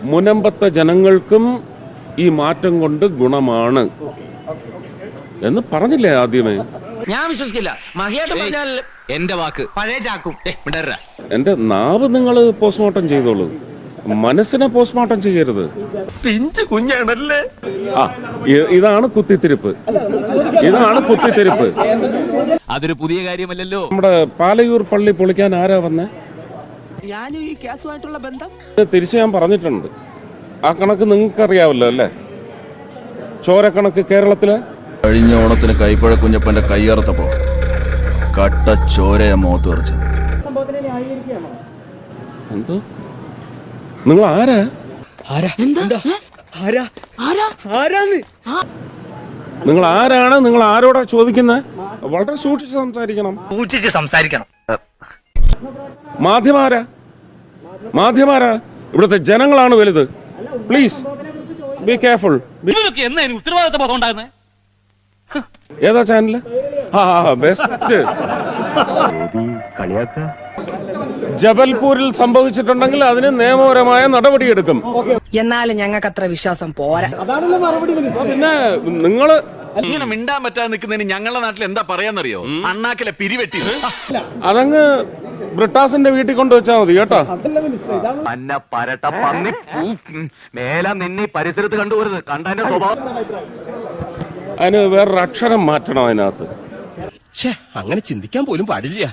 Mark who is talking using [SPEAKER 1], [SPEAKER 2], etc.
[SPEAKER 1] മുനമ്പത്തെ ജനങ്ങൾക്കും ഈ മാറ്റം കൊണ്ട് ഗുണമാണ് എന്ന് പറഞ്ഞില്ലേ ആദ്യമേ?
[SPEAKER 2] ഞാൻ വിശ്വസിക്കില്ല. മഹിയായിട്ട് പറഞ്ഞാൽ
[SPEAKER 3] എന്റെ വാക്ക്
[SPEAKER 2] പഴയ ചാക്കും.
[SPEAKER 1] എന്റെ നാവ് നിങ്ങൾ പോസ്റ്റ്മോർട്ടം ചെയ്തോളൂ, മനസ്സിനെ പോസ്റ്റ്മോർട്ടം ചെയ്യരുത്.
[SPEAKER 2] പിഞ്ചു കുഞ്ഞാണല്ലേ.
[SPEAKER 1] ഇതാണ് കുത്തിത്തിരിപ്പ്, ഇതാണ് കുത്തിത്തിരിപ്പ്.
[SPEAKER 3] അതൊരു പുതിയ കാര്യമല്ലല്ലോ.
[SPEAKER 1] നമ്മുടെ പാലയൂർ പള്ളി പൊളിക്കാൻ ആരാ വന്നേ?
[SPEAKER 2] ഞാനും ഈ കേസുമായിട്ടുള്ള ബന്ധം
[SPEAKER 1] തിരിച്ച് ഞാൻ പറഞ്ഞിട്ടുണ്ട്. ആ കണക്ക് നിങ്ങൾക്കറിയാവല്ലോ അല്ലേ? ചോരക്കണക്ക് കേരളത്തില്
[SPEAKER 4] കഴിഞ്ഞ ഓണത്തിന് കൈപ്പഴ കുഞ്ഞപ്പന്റെ കയ്യറുത്തപ്പോ കട്ട ചോരയെ മുഖത്ത് തെറിച്ചത്.
[SPEAKER 1] എന്തോ നിങ്ങൾ ആരാ? നിങ്ങൾ ആരാണ്? നിങ്ങൾ ആരോടാ ചോദിക്കുന്നത്? വളരെ സൂക്ഷിച്ച് സംസാരിക്കണം. മാധ്യമാരാ ഇവിടുത്തെ ജനങ്ങളാണ് വലുത്. Please be careful.
[SPEAKER 3] ഉത്തരവാദിത്ത ബോധം ഉണ്ടാകുന്നത്
[SPEAKER 1] ഏതാ ചാനല്? ബെസ്റ്റ്. ജബൽപൂരിൽ സംഭവിച്ചിട്ടുണ്ടെങ്കിൽ അതിന് നിയമപരമായ നടപടിയെടുക്കും.
[SPEAKER 5] എന്നാലും ഞങ്ങൾക്ക് അത്ര വിശ്വാസം പോരാ.
[SPEAKER 1] പിന്നെ നിങ്ങള്
[SPEAKER 4] ഇങ്ങനെ മിണ്ടാൻ പറ്റാതെ നിൽക്കുന്നതിന് ഞങ്ങളുടെ നാട്ടിൽ എന്താ പറയാന്നറിയോ? അണ്ണാക്കിലെ പിരിവെട്ടി.
[SPEAKER 1] അതങ്ങ് ബ്രിട്ടാസിന്റെ വീട്ടിൽ കൊണ്ടുവച്ചാ മതി കേട്ടോ.
[SPEAKER 4] അന്ന പരട്ട പന്നി മേല നിന്നെ പരിസരത്ത് കണ്ടുപോരുത്. കണ്ടതിന്റെ സ്വഭാവം.
[SPEAKER 1] അതിന് വേറൊരു അക്ഷരം മാറ്റണം അതിനകത്ത്.
[SPEAKER 6] അങ്ങനെ ചിന്തിക്കാൻ പോലും പാടില്ല.